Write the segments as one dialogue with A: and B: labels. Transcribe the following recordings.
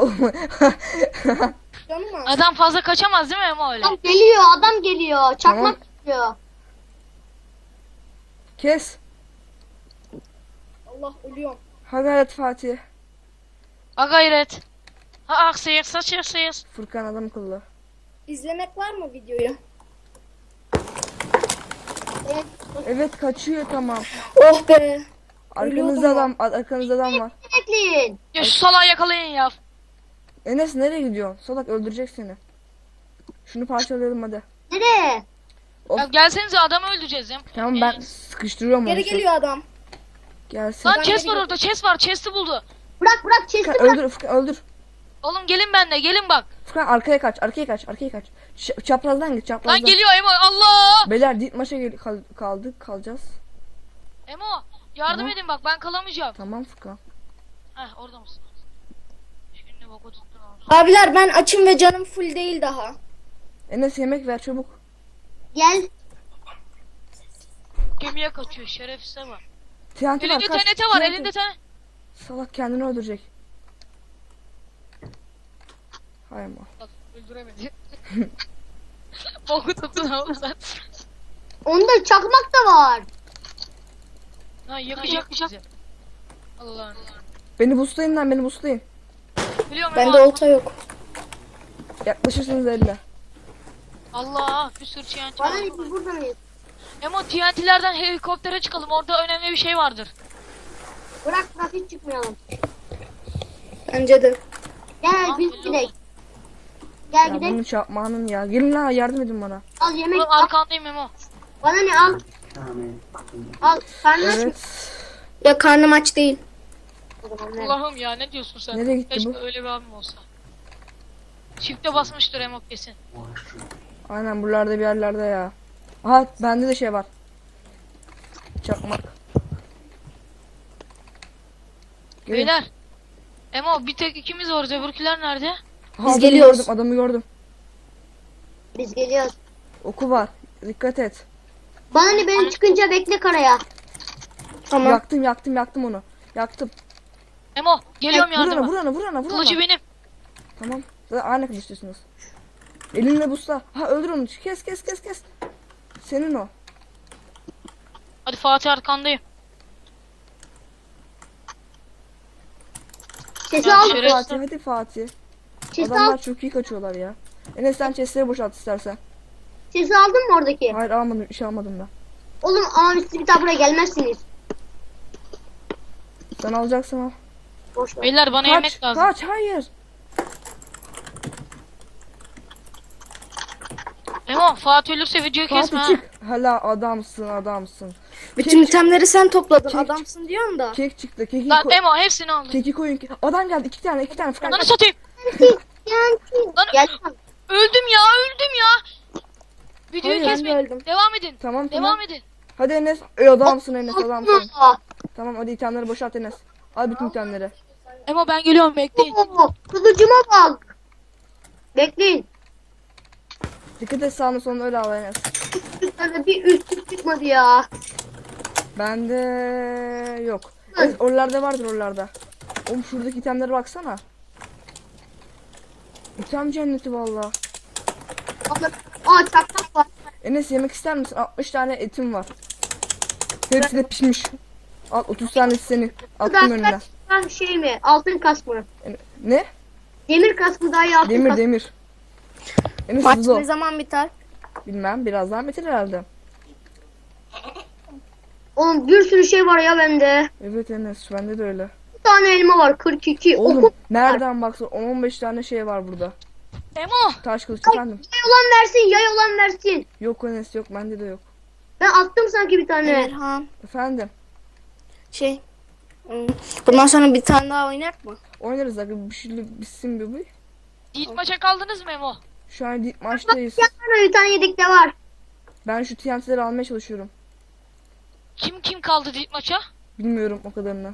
A: Canım az.
B: Adam fazla kaçamaz değil mi Emo öyle?
C: Adam geliyor. Çakmak geliyor.
D: Kes.
A: Allah ölüyorum.
D: Ha gayret Fatih.
B: Ha gayret. Ha aksayır saçırsayız.
D: Furkan adam akıllı.
A: İzlemek var mı videoyu?
D: Evet kaçıyor tamam.
A: Oh be.
D: Arkanızda adam var.
C: Bekleyin.
B: Ya şu salağı yakalayın ya.
D: Enes nereye gidiyorsun? Salak öldürecek seni. Şunu parçalayalım hadi.
C: Nereye?
D: Of.
B: Ya gelsenize adamı öldüreceğiz ya.
D: Tamam ben sıkıştırıyorum onu.
A: Geri geliyor adam.
D: Gelsin.
B: Lan chest var orada, chest var, chest'i buldu.
C: Bırak chest'i
D: Furkan
C: bırak.
D: öldür Furkan öldür.
B: Oğlum gelin benimle, gelin bak.
D: Furkan arkaya kaç. Çaprazdan git çaprazdan.
B: Lan geliyor Emo, Allah!
D: Beyler dit maça kalacağız.
B: Emo, yardım
D: Tamam.
B: edin bak, ben kalamayacağım.
D: Tamam Furkan.
B: Heh, orada mısın? Şimdi boku tuttun abi.
A: Abiler ben açım ve canım full değil daha.
D: Enes yemek ver çabuk.
C: Gel.
B: Gemiye kaçıyor, şerefsize bak.
D: TNT var
B: Elinde
D: kaç.
B: TNT var,
D: TNT.
B: elinde TNT.
D: Salak kendini öldürecek. Hay ama.
B: Bak, öldüremedi. Boku tuttun oğlum sen.
C: Onda çakmak da var.
B: Ha, yakacak bizi. Allah'ım.
D: Beni boostlayın lan beni boostlayın.
B: Biliyorum
A: Bende
B: Emo.
A: olta yok.
D: Yaklaşırsınız elle.
B: Allah, bir sürü TNT
C: Bana
B: var.
C: ne biz burada mıyız?
B: Emo TNT'lerden helikoptere çıkalım, orada önemli bir şey vardır.
C: Bırak hiç çıkmayalım.
A: Bence de.
C: Gel
B: Ah,
C: biz
B: belli
C: gidelim.
B: oldu.
C: Gel
D: Ya
C: gidelim.
D: bunu çarpmanın ya. Gelin lan yardım edin bana.
C: Al yemek
B: Oğlum
C: al.
B: arkandayım Emo.
C: Bana ne al. Al. Karnın aç mı?
D: Evet.
A: Ya karnım aç değil.
C: O zaman ver.
B: Allah'ım ya, ne diyorsun sen?
D: Nereye gitti
B: Keşke
D: bu?
B: öyle bir abim olsa. Çifte basmıştır Emo kesin.
D: Aynen buralarda bir yerlerde ya. Aha bende de şey var. Çakmak. Gelin.
B: Beyler. Emo bir tek ikimiz varız, öbürküler nerede?
D: Aha,
A: Biz
D: adamı
A: geliyoruz.
D: Gördüm, adamı gördüm.
C: Biz geliyoruz.
D: Oku var. Dikkat et.
C: Bana ne ben çıkınca bekle karaya.
A: Tamam.
D: Yaktım onu. Yaktım.
B: Emo geliyorum yardıma.
D: Vurana.
B: Kılıcı benim.
D: Tamam. Zaten aynı kılıçlısınız. Elinle busla. Ha öldür onu. Kes. Senin o.
B: Hadi Fatih arkandayım.
C: Sesi
B: Ya
C: al.
B: şeref-
D: Fatih hadi Fatih.
C: Sesi
D: Adamlar
C: al.
D: çok iyi kaçıyorlar ya. Enes sen chestleri boşalt istersen.
C: Sesi aldın mı oradaki?
D: Hayır almadım. Bir şey almadım ben.
C: Oğlum ama siz bir daha buraya gelmezsiniz.
D: Sen alacaksın al.
C: Boş ver.
B: Beyler bana yemek lazım.
D: Kaç hayır.
B: Emo Fatih ölürse videoyu kesme
D: Fatih
B: ha.
D: çık. Hala adamsın.
A: Bütün itemleri sen topladın.
D: Kek-
A: Adamsın diyorsun da.
D: Kek çıktı. Keki,
B: Lan Emo hepsini aldım.
D: keki koyun. Adam geldi. iki tane. Furkan
B: Lan
D: kaç.
B: satayım. Lan
C: Gel.
B: öldüm ya. Videoyu
D: Hayır,
B: kesmeyin.
A: ben de öldüm.
B: Devam edin.
D: Tamam.
B: Devam edin.
D: Hadi Enes. Adamsın Enes adamsın.
C: Aa,
D: Tamam hadi itemleri boşalt Enes. Al bütün itemleri.
B: Emo ben geliyorum, bekleyin.
C: Kılıcıma bak. Bekleyin.
D: Dikkat et sağına soluna öyle al Enes.
C: Bir üstlük çıkmadı ya.
D: Bende yok. Enes, oralarda vardır oralarda. Oğlum şuradaki itemlere baksana. İtem cenneti valla.
C: Aa çakmak var.
D: Enes yemek ister misin? 60 tane etim var. Hepsi de pişmiş. Al 30 tanesi senin. Attım önüne.
C: Şey mi? Altın kask mı?
D: Ne?
C: Demir kask mı daha iyi altın kask?
D: Demir. Enes
A: Maç
D: hızlı ol.
A: ne zaman biter?
D: Bilmem birazdan bitir herhalde.
C: Oğlum bir sürü şey var ya bende.
D: Evet Enes bende de öyle.
C: Bir tane elma var 42.
D: Oğlum
C: Oku.
D: nereden baksan 10-15 tane şey var burada.
B: Emo.
D: Taş kılıç efendim.
C: Yay olan versin yay olan versin.
D: Yok Enes yok bende de yok.
C: Ben attım sanki bir tane.
A: Erhan.
D: Efendim.
A: Şey. Bundan sonra bir tane daha oynak mı?
D: Oynarız abi bir şey bitsin bir bu.
B: İlk maça kaldınız mı Emo?
D: Şu an maçtayız.
C: Yanlarda bir tane yedek de var.
D: Ben şu TNT'leri almaya çalışıyorum.
B: Kim kaldı ilk maça?
D: Bilmiyorum o kadarını.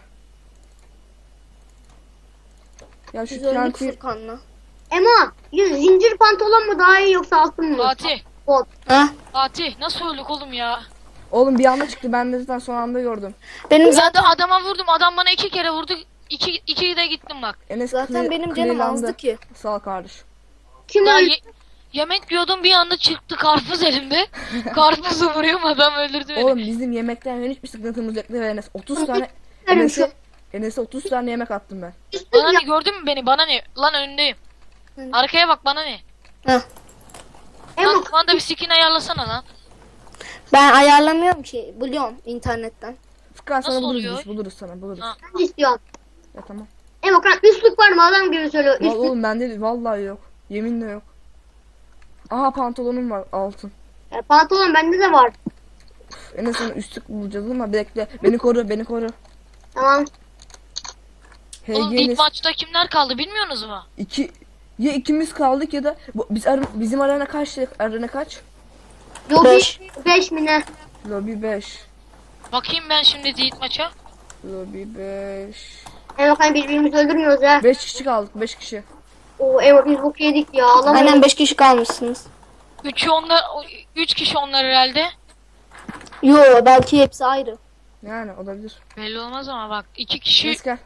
D: Ya şu
A: Biz öldük
D: TNT
A: Furkan'la.
C: Ema zincir pantolon mu daha iyi yoksa altın mı?
B: Fatih.
C: Bot.
A: Ha?
B: Fatih nasıl öldük oğlum ya?
D: oğlum bir anda çıktı ben de zaten son anda gördüm.
A: Benim
B: Ben
A: zaten
B: de adama vurdum. Adam bana 2 kere vurdu. iki de gittim bak.
D: Enes
A: Zaten benim canım azdı ki.
D: Sağ ol kardeş.
C: Kim
B: Ya
C: öldü?
B: yemek yiyordum, bir anda çıktı karpuz elimde. Karpuzu vuruyorum, adam öldürdü beni.
D: Oğlum bizim yemekten hiçbir sıkıntımız yok ve Enes 30 tane
C: Verim şu.
D: Enes'e 30 tane yemek attım ben.
B: Bana ne, gördün mü beni? Bana ne? Lan önündeyim.
A: Hı.
B: Arkaya bak, bana ne?
A: Heh.
C: Emo
B: Lan bana bir skin ayarlasana lan.
A: Ben ayarlamıyorum ki. Buluyorum internetten.
D: Furkan sana
B: Nasıl
D: buluruz
B: oluyor?
D: biz, buluruz sana buluruz.
B: Ha.
C: ben de istiyorum.
D: Ya tamam.
C: Emo kan üstlük var mı? Adam gibi söylüyor.
D: Vallahi
C: Üstlük.
D: oğlum bende vallahi yok. Yeminle yok. Aha pantolonum var altın.
C: Pantolon bende de var.
D: Üf, Enes sana üstlük bulacağız ama bekle. Beni koru beni koru.
C: Tamam.
B: Oğlum
D: HG
B: ilk
D: Enes
B: maçta kimler kaldı bilmiyorsunuz mu?
D: ya ikimiz kaldık ya da bizim arena kaçtı? Arena kaç?
C: Yok
A: 5.
C: 5 mi ne?
D: Lobby 5.
B: Bakayım ben şimdi ilk maça.
D: Lobby 5.
C: Emo kan birbirimizi öldürmüyoruz ha.
D: 5 kişi kaldık 5 kişi.
C: Oo Emo biz bok yedik ya. Allah
A: Aynen 5 kişi kalmışsınız.
B: Üç kişi onlar herhalde.
A: Yo belki hepsi ayrı.
D: Yani olabilir.
B: Belli olmaz ama bak, iki kişi.
D: Enes gel.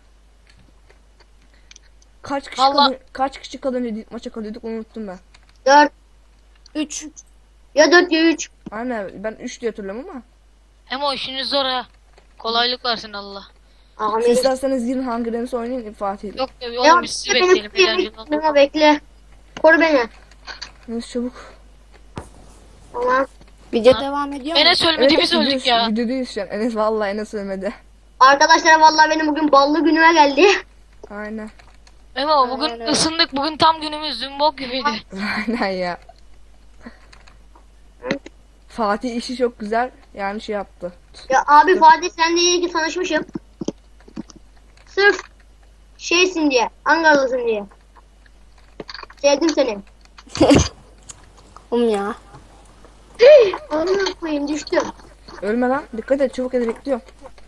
B: Vallahi-
D: Kaç kişi kalınca maça kalıyorduk unuttum ben.
C: 4
A: 3.
C: ya 4 ya 3.
D: Aynen ben 3 diye hatırlıyorum ama.
B: Emo işiniz zor ha. Kolaylık versin Allah.
C: Amin.
D: İsterseniz girin Hunger Games oynayın Fatih'le.
B: Yok
C: Emo
B: oğlum, biz sizi bekleyelim.
C: beni
B: Eğlenceli oldu.
C: Emo bekle. Koru beni.
D: Enes çabuk.
C: Tamam.
A: Video
B: Ha.
A: devam ediyor mu?
B: Enes ölmedi, biz öldük ya.
D: Videodayız şu an. Enes vallahi Enes ölmedi.
C: Arkadaşlar vallahi benim bugün ballı günüme geldi.
D: Aynen.
B: Emo bugün
A: Aynen öyle.
B: ısındık. Bugün tam günümüz. Dün bok gibiydi.
D: Aynen ya. Fatih işi çok güzel. Yani şey yaptı.
C: Ya abi Fatih sen de iyi ki tanışmışım. Sırf şeysin diye. Ankaralısın diye. Sevdim seni.
A: Ya.
C: Onu koyayım düştüm.
D: Ölme lan. Dikkat et çabuk et bekliyorum.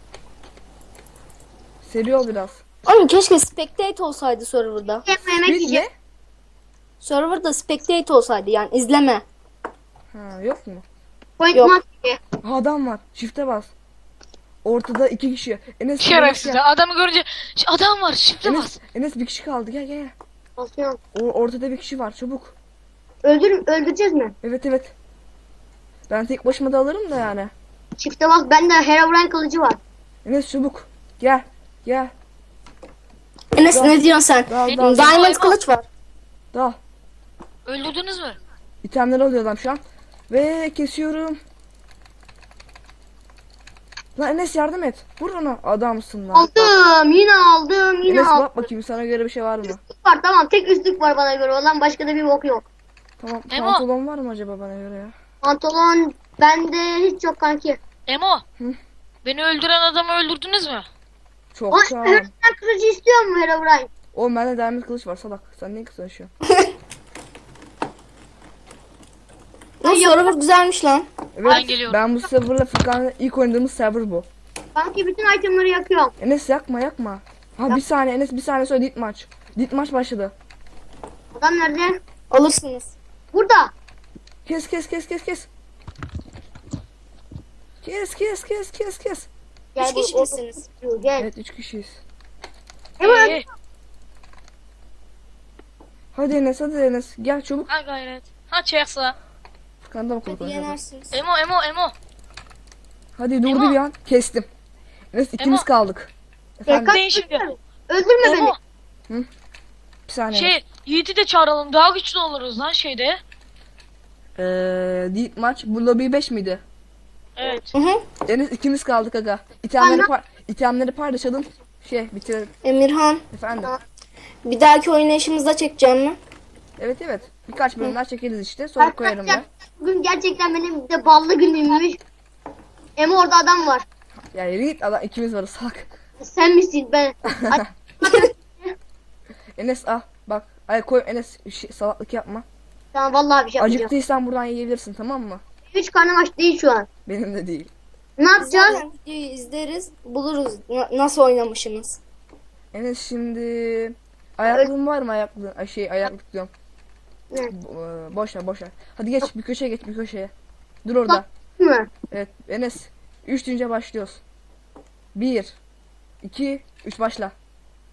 D: Seri ol biraz.
A: Oğlum keşke spectate olsaydı serverda.
C: Yemek
D: Bir
C: yiyeceğim.
D: ne?
A: Serverda spectate olsaydı yani izleme.
D: Ha yok mu?
C: Point
A: Yok.
C: mark diye.
D: Ha, adam var. Çifte bas. Ortada 2 kişi. Enes
B: Şerefsiz.
D: gel.
B: Adamı görünce adam var. Şifre bas.
D: Enes bir kişi kaldı. Gel gel.
C: Basıyorum.
D: Ortada bir kişi var. Çabuk.
C: Öldüreceğiz mi?
D: Evet evet. Ben tek başıma da alırım da yani.
C: Çifte bas. Bende Herobrine kılıcı var.
D: Enes çabuk. Gel. Gel.
A: Enes ne diyorsun sen?
D: Dal dal.
A: Diamond kılıç var.
D: Dal.
B: Öldürdünüz mü?
D: İtemleri alıyor adam şu an. Ve kesiyorum. Lan Enes yardım et. Vur ona. Adamsın lan.
C: Aldım. Yine aldım. Yine
D: Enes
C: aldım.
D: bak bakayım sana göre bir şey var mı?
C: Üstlük var tamam. Tek üstlük var bana göre. Olan başka da bir bok yok.
D: Tamam
B: Emo.
D: pantolon var mı acaba bana göre ya?
C: Pantolon bende hiç yok kanki.
B: Emo.
D: Hı?
B: Beni öldüren adamı öldürdünüz mü?
D: Çok
C: Ay,
D: sağ ol.
C: Herobrine kılıcı istiyor mu Herobrine?
D: Oğlum bende diamond kılıç var salak. Sen niye kısalaşıyorsun?
A: Bu server güzelmiş lan.
D: Evet
B: Ben geliyorum.
D: ben bu serverla Furkan'la ilk oynadığımız server bu.
C: Kanki bütün itemları yakıyorum.
D: Enes yakma yakma. Ha bir saniye Enes bir saniye sonra dit maç. Dit maç başladı.
C: Adam nerede?
A: Alırsınız.
C: Burada.
D: Kes kes kes kes kes. Kes kes kes kes kes.
A: Üç
C: bu-
A: kişi misiniz?
C: Gel.
D: Evet 3 kişiyiz.
C: Evet.
D: Hadi Enes gel çabuk.
B: Ha gayret. Ha çeksa.
D: Furkan'da mı
A: Hadi
D: konuşalım?
A: yenersiniz.
B: Emo.
D: Hadi durdu
B: Emo.
D: bir an kestim. Enes ikimiz
B: Emo.
D: kaldık.
C: Ya,
D: Efendim
B: Deyin şimdi.
C: Öldürme beni.
B: Emo.
D: bir saniye.
B: Yiğit'i de çağıralım. Daha güçlü oluruz lan şeyde.
D: Dit maç bu lobby 5 miydi?
B: Evet.
A: Hı hı.
D: Enes ikimiz kaldık aga. İtemleri paylaşalım. Bitirelim.
A: Emirhan,
D: Efendim.
A: bir dahaki oynayışımızda çekeceğim mi?
D: Evet. Birkaç bölümler çekeriz işte. Sonra koyarım ben.
C: Bugün gerçekten benim de ballı günümmüş. Emo orada adam var.
D: Ya yürü git adam ikimiz varız salak.
C: Sen misin ben? Ay,
D: Enes al bak. Ay koy Enes salaklık yapma.
C: tamam vallahi bir şey yapacağım.
D: Acıktıysan buradan yiyebilirsin tamam mı?
C: Hiç karnım aç değil şu an.
D: Benim de değil.
C: Ne yapacağız?
A: Zaten videoyu izleriz, buluruz nasıl oynamışsınız.
D: Enes şimdi ayaklığın var mı ayaklığın? Ayaklık diyorum.
C: Ne?
D: Boş ver. Hadi geç bir köşeye geç bir köşeye. Dur orada.
C: Mı?
D: Evet Enes 3 deyince başlıyoruz. 1 2 3 başla.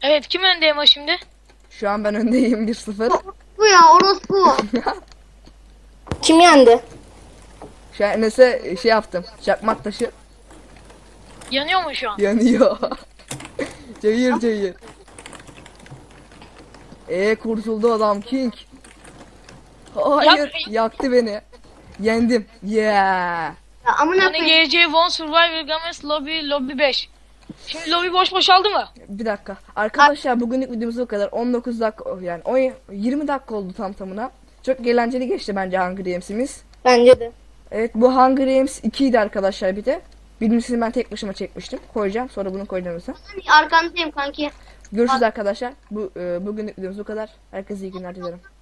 B: Evet, kim önde ama şimdi?
D: Şu an ben öndeyim 1-0.
C: Bu ya orospu.
A: Kim yendi?
D: Şu an Enes'e şey yaptım. Çakmak taşı
B: Yanıyor mu şu an?
D: yanıyor. Cayır cayır. Kurtuldu adam King. Hayır, yaktı beni. Yendim. Yeah.
C: Ya amına
B: Hani
C: koyayım.
B: GC One Survivor Games Lobby 5. Şimdi lobby boş boşaldı mı?
D: Bir dakika. Arkadaşlar bugünlük videomuz bu kadar. 19 dakika yani 20 dakika oldu tam tamına. Çok eğlenceli geçti bence Hunger Games'imiz.
A: Bence de.
D: Evet, bu Hunger Games 2 idi arkadaşlar bir de. Birincisini ben tek başıma çekmiştim. Koyacağım. Sonra bunu koyacağım mesela.
C: Arkandayım kanki.
D: Görüşürüz arkadaşlar. Bugünlük videomuz bu kadar. Herkese iyi günler dilerim.